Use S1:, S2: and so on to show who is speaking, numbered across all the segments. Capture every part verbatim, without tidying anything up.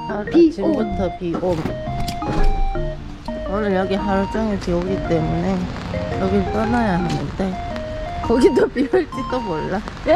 S1: 아침부터 비옴. 오늘 여기 하루 종일 비 오기 때문에 여길 떠나야 하는데 거기도 비 올지도 몰라. 예!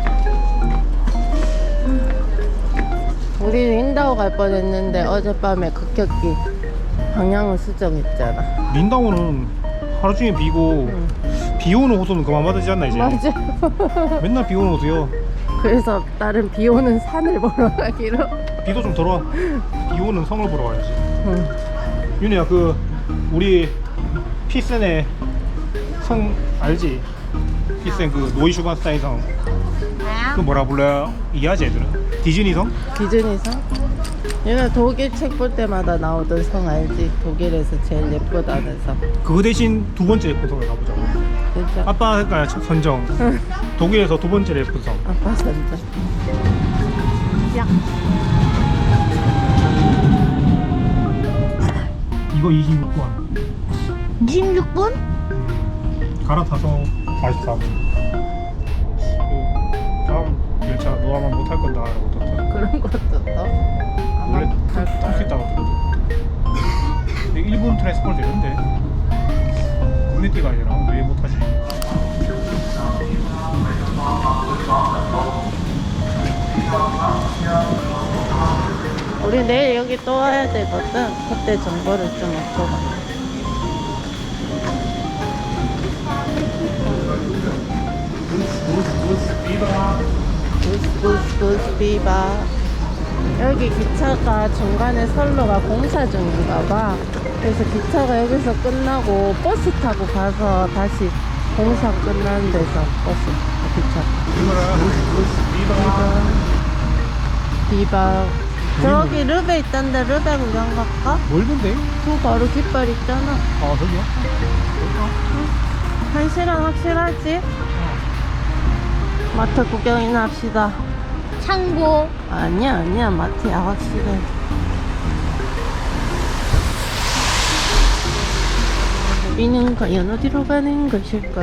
S1: 우리 린다오 갈 뻔했는데 어젯밤에 급격히 방향을 수정했잖아.
S2: 린다오는 하루 종일 비고
S1: 응.
S2: 비 오는 호수는 그만 받으지 않나 이제?
S1: 맞아.
S2: 맨날 비 오는 호수요.
S1: 그래서 다른 비 오는 산을 보러 가기로.
S2: 비도 좀 덜어. 비 오는 성을 보러 가야지.
S1: 응.
S2: 윤희야, 그 우리 피센의 성 알지? 피센 그 노이슈반스타인 성. 그 뭐라 불러요? 이해하지 애들은? 디즈니 성?
S1: 디즈니 성? 얘는 독일 책 볼 때마다 나오던 성 알지? 독일에서 제일 예쁘다는 성.
S2: 그거 대신 두 번째 예쁜 성을 가보자.
S1: 진짜?
S2: 아빠가 선정. 독일에서 두 번째 예쁜 성.
S1: 아빠 선자. 야.
S2: 이거 이십육 번.
S1: 이십육 분?
S2: 음, 갈아타서 사십사 분. 다음 열차 너 아마 못할 건다 라고 떴다.
S1: 그런 것도 또?
S2: 원래
S1: 아마 갈
S2: 탈 수 있다고 들었거든. 근데 일본 트랜스포트 되는데 국내띠가 아니라 왜 못하지?
S1: 우리 내일 여기 또 와야 되거든. 그때 정보를 좀 얻고 가. 부스 부스 부스 비바. 여기 기차가 중간에 선로가 공사 중인가 봐. 그래서 기차가 여기서 끝나고 버스 타고 가서 다시 공사 끝나는 데서 버스 기차. 비바. 저기 르베 있던데 르베 구경 갈까?
S2: 멀던데?
S1: 그 바로 깃발 있잖아.
S2: 아 저기요?
S1: 한 시간 확실하지? 마트 구경이나 합시다.
S3: 창고.
S1: 아니야 아니야 마트야 확실해. 우리는 과연 어디로 가는 것일까?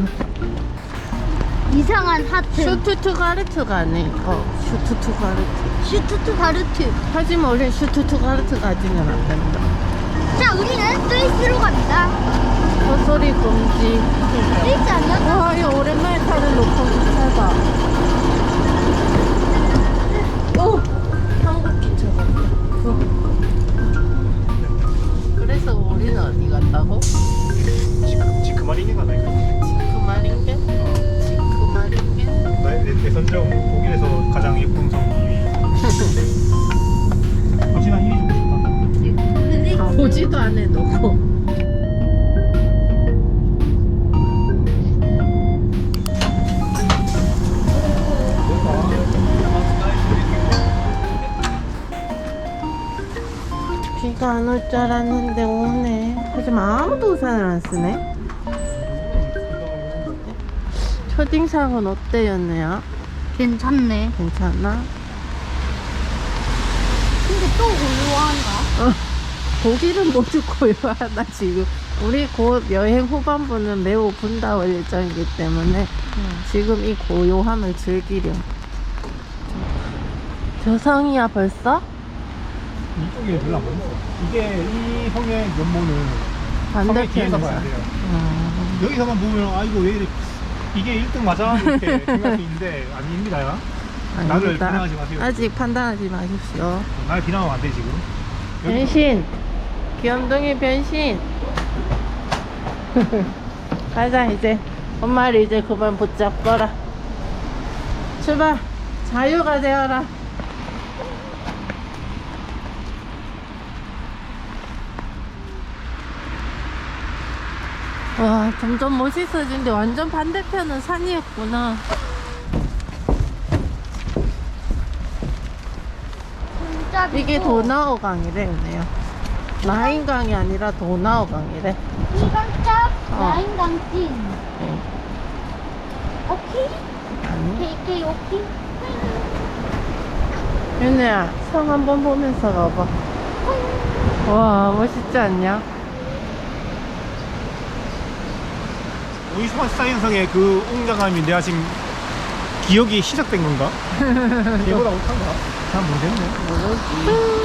S3: 이상한 하트.
S1: 슈투트가르트 가네. 어 슈투트가르트.
S3: 슈투트가르트.
S1: 하지만 우린 슈투트가르트 가지는 안 된다.
S3: 자, 우리는 스위스로 갑니다.
S1: 헛소리 금지.
S3: 스위스 아니야?
S1: 와 이거 오랜만에 타는 높은 기차다. 오! 한국 기차 같아. 어. 그래서 우리는 어디 갔다고?
S2: 지금 지크마린이 가나 이거?
S1: 지크마린게? 지크마린게?
S2: 내, 내 선정 독일에서 가장 예쁜 성 이 위. 혹시 난 일 위 주고 싶다.
S1: 가보지도 안 해놓고. 비가 안 올 줄 알았는데 오네. 하지만 아무도 우산을 안 쓰네. 첫인상은 어때 연애야?
S3: 괜찮네.
S1: 괜찮아?
S3: 근데 또 고요한가?
S1: 어, 독일은 모두 고요하다 지금. 우리 곧 여행 후반부는 매우 분다올 예정이기 때문에 지금 이 고요함을 즐기려. 저 성이야 벌써?
S2: 이쪽에 별로 안 보였어. 이게 이 성의 면모는 성의 뒤에서
S1: 반대편에서.
S2: 봐야 돼요.
S1: 음.
S2: 여기서만 보면 아 이거 왜 이래 이게 일 등 맞아? 이렇게 생각할 수 있는데 아닙니다. 나를
S1: 아닙니다.
S2: 비난하지 마세요.
S1: 아직 판단하지 마십시오.
S2: 날 비난하면 안 돼 지금. 여기
S1: 변신! 귀염둥이 변신! 가자 이제. 엄마를 이제 그만 붙잡거라. 출발! 자유가 되어라. 와 점점 멋있어지는데 완전 반대편은 산이었구나.
S3: 진짜
S1: 이게
S3: 미워.
S1: 도나우강이래 은혜요. 라인강이 아니라 도나우강이래.
S3: 이건 딱
S1: 어.
S3: 라인강 찐.
S1: 응.
S3: 오케이?
S1: 아니
S3: 케이케이 오케이?
S1: 윤혜야 성 한번 보면서 가봐. 와 멋있지 않냐?
S2: 오이스만 스타인성의 그 웅장함이 내가 지금 기억이 시작된 건가? 얘보다 못한가? 잘 모르겠네.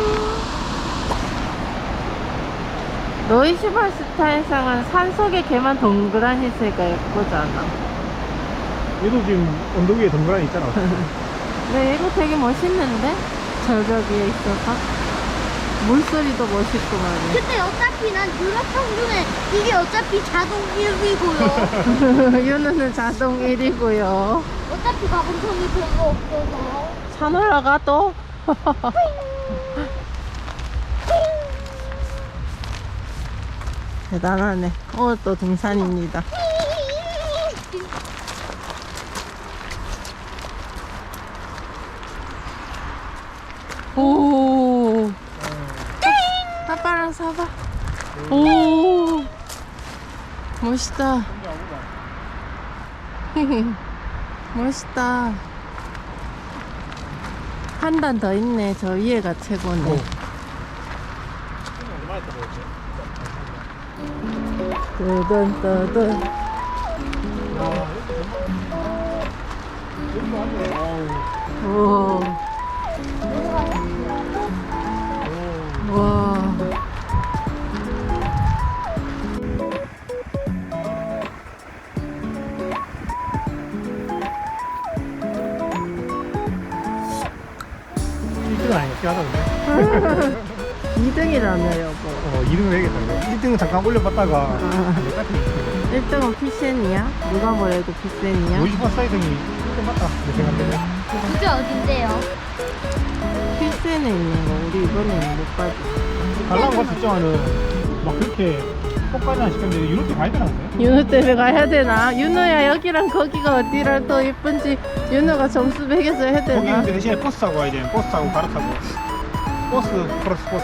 S1: 노이슈발스타에서는 산속에 걔만 동그란 희새가 예쁘잖아.
S2: 얘도 지금 언덕 위에 덩그러니 있잖아.
S1: 근데 이거 되게 멋있는데? 절벽 위에 있어서 물소리도 멋있고 말이야.
S3: 근데 어차피 난 유라평 중에 이게 어차피 자동 일이고요.
S1: 윤우는 자동 일이고요.
S3: 어차피 가공성이 별로 없어서.
S1: 산 올라가 또? 대단하네. 오늘 또 등산입니다. 오. 아빠랑 사봐. 오. 멋있다. 멋있다. 한 단 더 있네. 저 위에가 최고네.
S2: 오.
S1: 뜨든 뜨든. 오. 와.
S2: 일 등은 아니겠지 하던데.
S1: 이 등이라며 여보.
S2: 어, 이 등은 해야겠다. 일 등은 잠깐 올려봤다가
S1: 아. 일 등은 피센이야? 누가 뭐래도 피센이야?
S2: 노이즈바 사이등이 일 등 맞다. 내 생각에는.
S3: 그게 어딘데요?
S1: 피센에 있는 거 우리 이번에는 못 가지.
S2: 달라고 할수 있지만은 막 그렇게 똑같이 안 시켰는데 유럽에 가야 되나는데?
S1: 윤우 때문에 가야 되나? 윤우야 여기랑 거기가 어디랑 더 예쁜지 윤우가 점수 매겨서 해야
S2: 거기
S1: 되나?
S2: 근데 대신에 버스 타고 가야 돼. 버스 타고 갈아타고. 버스 플러스 버스.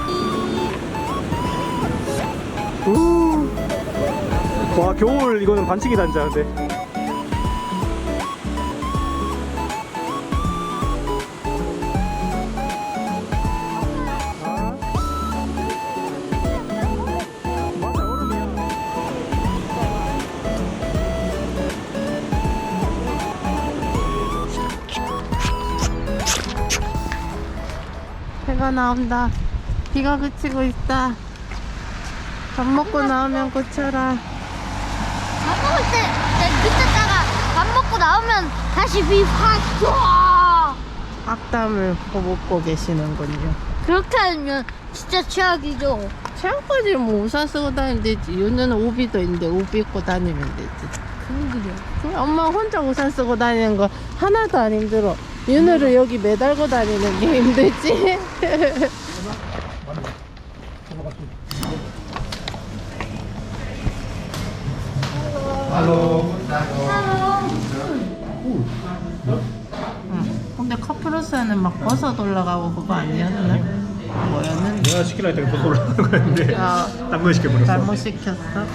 S2: 우. 와 겨울 이거는 반칙이 단자인데.
S1: 해가 나온다. 비가 그치고 있다. 밥 먹고 나오면 고쳐라.
S3: 밥 먹을 때, 내 밑에다가 밥 먹고 나오면 다시 비확 쏴!
S1: 악담을 퍼붓고 계시는군요.
S3: 그렇게 하면 진짜 최악이죠.
S1: 체험까지 뭐 우산 쓰고 다니면 되지. 윤우는 우비도 있는데 우비 입고 다니면 되지.
S3: 그러게요.
S1: 그래, 엄마 혼자 우산 쓰고 다니는 거 하나도 안 힘들어. 윤우를 여기 매달고 다니는 게 힘들지?
S2: 할로.
S1: 응. 근데 카프로스는 막 버섯 올라가고 그거 아니었나? 뭐였는데?
S2: 내가 시키려 했더니 버스 올라가는 거였는데
S1: 아,
S2: 딴거 시켜버렸어.
S1: 잘못 시켰어?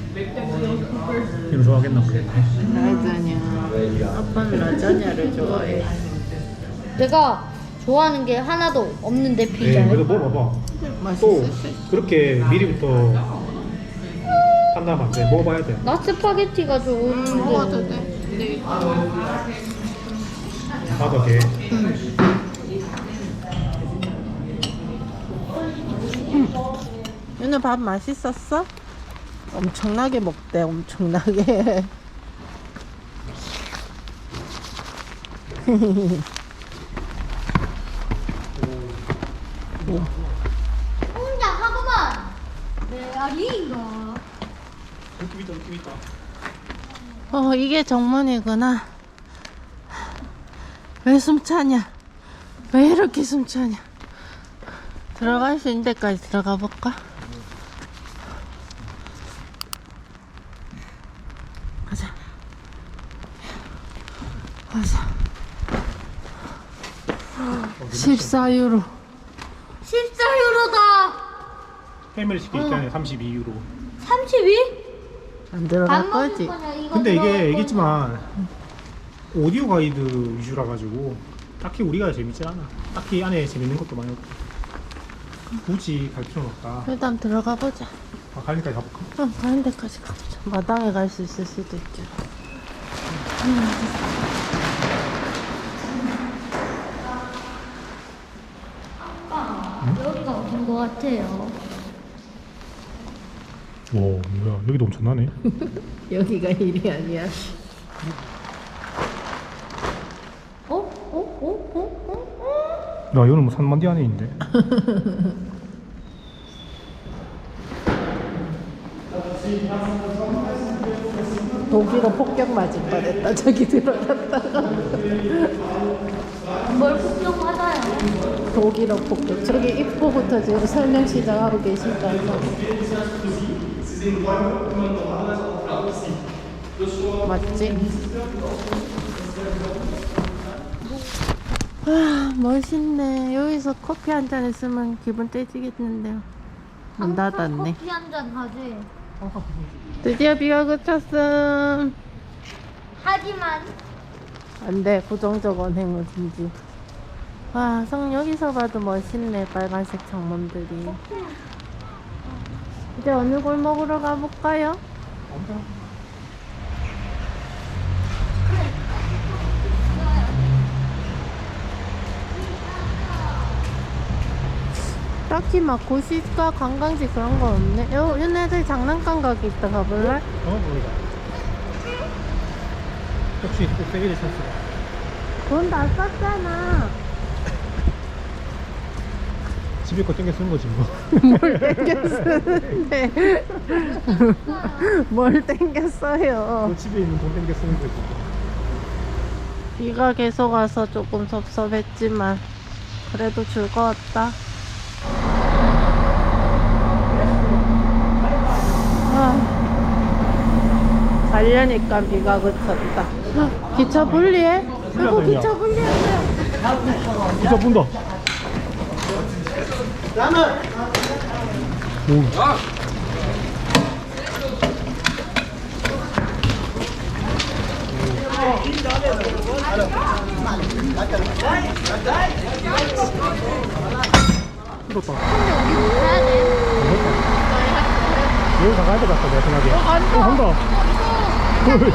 S2: 이거 좋아하겠나 보네.
S1: 라자냐. 아빠는 라자냐를 좋아해.
S3: 내가 좋아하는 게 하나도 없는데
S2: 네,
S3: 피자를.
S2: 그래도 먹어봐. 또
S1: 맛있을 수 있어.
S2: 그렇게 미리부터 판단하면 안 돼. 먹어봐야 돼.
S3: 나 스파게티가 좋은데.
S1: 먹어도 돼. 근데
S2: 나도 돼.
S1: 윤우 밥 맛있었어? 엄청나게 먹대. 엄청나게.
S3: 혼자 하고만. 메아리인가?
S2: 느낌 있다, 느낌 있다.
S1: 어, 이게 정문이구나. 왜 숨차냐? 왜 이렇게 숨차냐? 들어갈 수 있는 데까지 들어가 볼까? 가자. 가자. 십사 유로.
S3: 십사 유로다.
S2: 패밀리 치킨 있잖아요. 삼십이 유로.
S3: 삼십이?
S1: 안 들어갈
S3: 밥 먹을
S1: 거지?
S3: 거냐, 이거
S2: 근데
S3: 들어갈
S2: 이게
S3: 거냐.
S2: 얘기했지만 오디오 가이드 위주라 가지고 딱히 우리가 재밌지 않아. 딱히 안에 재밌는 것도 많이 없고 굳이 갈 필요는 없다.
S1: 일단 들어가 보자.
S2: 아, 갈 데까지 가볼까?
S1: 응, 가는 데까지 가보자. 마당에 갈 수 있을 수도 있잖아.
S3: 때가 온 것 같아요.
S2: 오 뭐야 여기도 엄청나네.
S1: 여기가 일이 아니야. 어? 어? 어? 어? 어?
S2: 야 이거는 뭐 산만디 안에 있는데.
S1: 독일어 폭격 맞을 뻔했다. 저기 들어갔다가.
S3: 뭘 걱정하나요?
S1: 독일어 폭격. 저기 입구부터 지금 설명 시작하고 계시잖아. 맞지? 아, 멋있네. 여기서 커피 한 잔 했으면 기분 떼지겠는데요. 문 닫았네.
S3: 커피 한 잔 하지.
S1: 드디어 비가 그쳤음.
S3: 하지만
S1: 안돼, 부정적 언행을 금지. 와, 성 여기서 봐도 멋있네. 빨간색 창문들이. 이제 어느 골목으로 가볼까요? 딱히 막 고시가 관광지 그런 거 없네. 요, 얘네들 장난감 가게 있다. 가볼래?
S2: 어 모르다. 역시 또 세계를 샀어.
S1: 돈 다 썼잖아.
S2: 집에 거 땡겨 쓰는 거지 뭐.
S1: 뭘 땡겨 쓰는데. 뭘 땡겨 써요.
S2: 그 집에 있는 돈 땡겨 쓰는 거지.
S1: 비가 계속 와서 조금 섭섭했지만 그래도 즐거웠다. 아, 가려니까 비가 그쳤다. 기차 분리해? 이거 기차 분리했어요.
S2: 진짜 분다. 오. 이렇다.
S3: 가야 돼.
S2: 여기 나가야 될 것 같다, 내 생각에. 어, 간다. 어, 간다. 헐.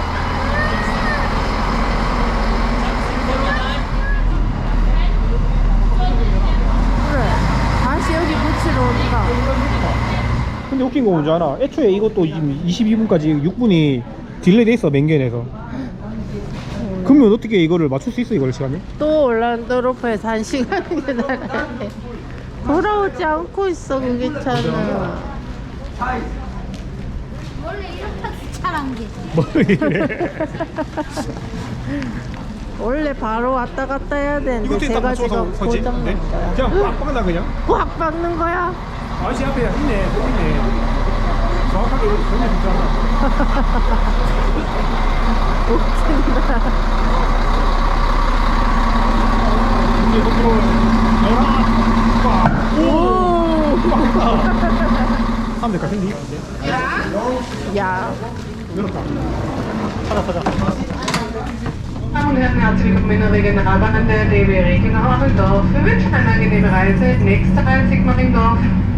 S1: 그래. 다시 여기 붙이러 온다.
S2: 근데 웃긴 거 뭔지 알아? 애초에 이것도 지금 이십이 분까지 육 분이 딜레이 돼 있어, 맹견에서. 그러면 어떻게 이거를 맞출 수 있어, 이걸 시간이?
S1: 또 올란도로프에서 한 시간이 기다려야 돼. 돌아오지 않고 있어, 그 기차는.
S3: 원래 이렇게 차란 게.
S2: 뭐 이래.
S1: 원래 바로 왔다 갔다 해야 되는데
S2: 이것도 일단
S1: 제가
S2: 맞춰서
S1: 지금
S2: 서지?
S1: 고장난
S2: 네?
S1: 거야.
S2: 그냥 빡 박나 그냥?
S1: 확 박는 거야?
S2: 아저씨 앞에 있네, 또 있네. 정확하게 전혀 듣지 않아.
S1: 웃긴다.
S2: 이제 속도로 열아, 빡. 오, 빡. 사람들 같은데?
S1: 야,
S2: 열었다. 하나 사자.
S4: Damen und Herren, herzlich willkommen in der Regionalbahn der D B Regenau-Ammendorf. Wir wünschen eine angenehme Reise. Nächster Halt Sigmaringdorf.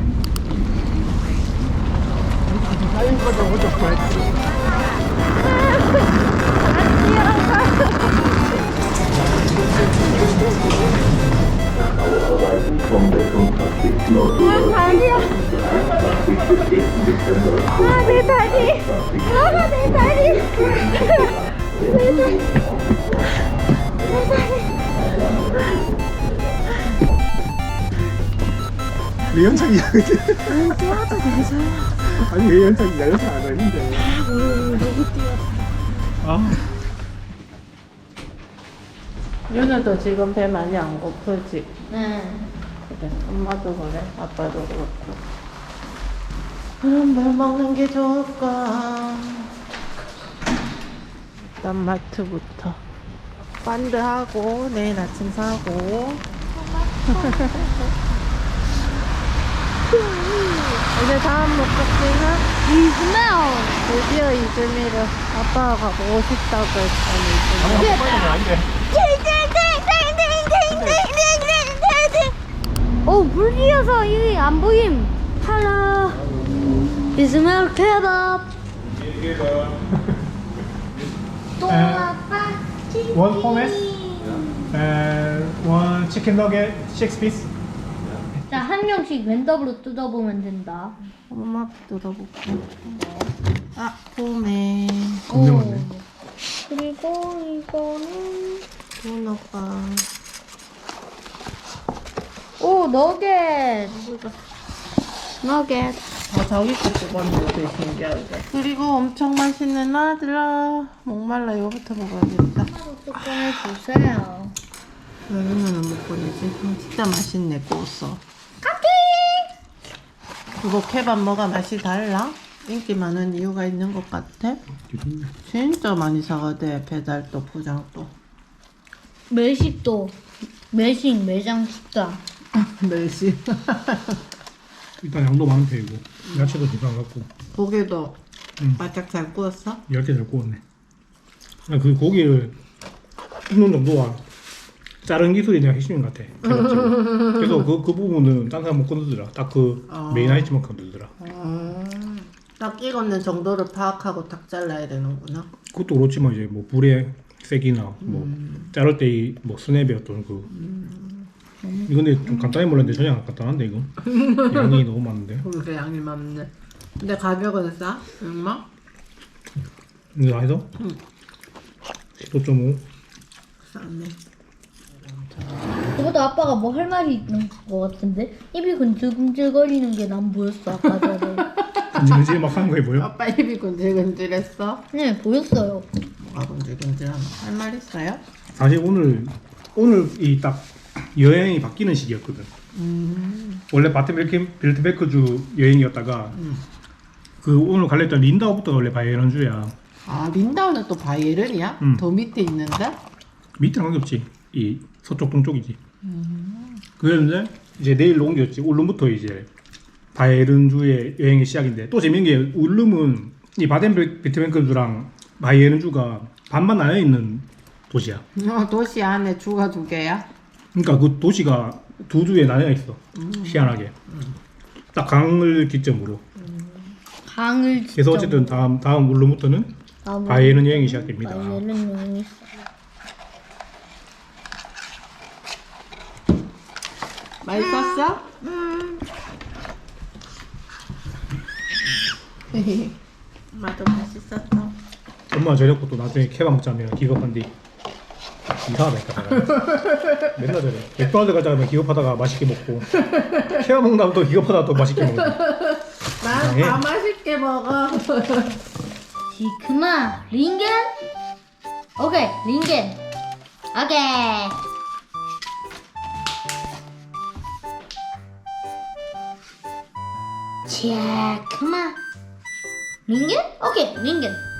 S3: 아, 내 다리. 아, 내 다리. 내 다리.
S2: 왜 연착이야?
S1: 응, 뛰어도 되죠.
S2: 아니 왜 연착이야? 연착 안 했는데.
S1: 응, 너무 뛰어.
S2: 아.
S1: 윤우도 지금 배 많이 안 고프지?
S3: 네.
S1: 그래, 엄마도 그래, 아빠도 그렇고. 그럼 뭘 먹는 게 좋을까? 일단 마트부터. 반드하고, 내일 아침 사고. 이제 다음 목적지는
S3: 이즈메어.
S1: 드디어 이즈미를 아빠가 가고 싶다고 했더니 이즈미.
S2: 아닌데.
S3: 어, 불이어서 이게 안 보임. 할로. 이즈메어 케밥. 또아빠 치킨.
S2: One hummus and one chicken nugget, six piece.
S3: 자, 한 명씩 랜덤으로 뜯어보면 된다.
S1: 엄마 뜯어볼게. 아, 도매.
S2: 겁나
S3: 오.
S2: 많네.
S3: 그리고 이거는
S1: 도너가.
S3: 오, 너겟. 너겟.
S1: 아, 자기 거 뽑았는데 되게 신기하게. 그리고 엄청 맛있는 아들아. 목말라 이거부터 먹어야겠다.
S3: 하나도 뚜껑을 주세요.
S1: 여기는 못 보내지. 음, 진짜 맛있네, 고소. 그거 케밥 뭐가 맛이 달라? 인기 많은 이유가 있는 것 같아? 진짜 많이 사가대. 배달도 포장도.
S3: 매식도. 매식 매장 식당.
S1: 멸시.
S2: 일단 양도 많은 편이고 야채도 두장 갖고
S1: 고기도
S2: 응.
S1: 바짝 잘 구웠어?
S2: 얇게 잘 구웠네. 그냥 그 고기를 굽는 정도가 자른 기술이 내가 핵심인 것 같아. 개밥집은. 그래서 그, 그 부분은 딴 사람 못 건드더라. 딱 그
S1: 아.
S2: 메인 아이템만 건드더라.
S1: 음, 딱 익었는 정도를 파악하고 딱 잘라야 되는구나.
S2: 그것도 그렇지만 이제 뭐 불의 세기나 뭐
S1: 음.
S2: 자를 때 뭐 스냅의 어떤 그 이건 근데 좀 간단히 몰랐는데 전혀 안 간단한데 이거 양이 너무 많은데.
S1: 그렇게 양이 많네. 근데 가격은 싸? 얼마?
S2: 이거 다 해서
S1: 응.
S2: 십오 점 오.
S1: 싸네.
S3: 그것도 아빠가 뭐 할 말이 있는 것 같은데 입이 근질근질거리는 게 난 보였어 아까 전에.
S2: 근질근질 막 하는 거에 보여?
S1: 아빠 입이 근질근질했어?
S3: 네 보였어요.
S1: 뭐가 근질근질하나? 할 말 있어요?
S2: 사실 오늘 오늘 이 딱 여행이 바뀌는 시기였거든.
S1: 음.
S2: 원래 바텐빌트베크주 여행이었다가
S1: 음.
S2: 그 오늘 갈랬던 린다우부터가 원래 바이에른주야.
S1: 아, 린다우는 또 바이에른이야?
S2: 음.
S1: 더 밑에 있는데?
S2: 밑에는 관계없지. 이 서쪽 동쪽이지.
S1: 음.
S2: 그랬는데 이제 내일로 옮겼지. 울름부터 이제 바이에른주의 여행의 시작인데 또 재밌는 게 울름은 이 바덴비르트베크주랑 바이에른주가 반반 나뉘어 있는 도시야.
S1: 어, 도시 안에 주가 두 개야?
S2: 그러니까 그 도시가 두 주에 나뉘어 있어. 희한하게. 딱 강을 기점으로.
S3: 강을
S2: 그래서 어쨌든 다음 다음 울름부터는 바이에른 여행이 시작됩니다.
S3: 바이에른 여행이
S1: 맛있었어?
S3: 음.
S1: 엄마도 맛있었어.
S2: 엄마 저녁 또 나중에 케밥 먹자면 기겁한디 이상하다니까 내가. 맨날 저래. 맥도날드 가자면 기겁하다가 맛있게 먹고 케밥 먹다가 또 기겁하다가 또 맛있게 먹고.
S1: 난 다 맛있게 먹어.
S3: 지크마 링겐 오케이 링겐 오케이 지크마 링겐 오케이 링겐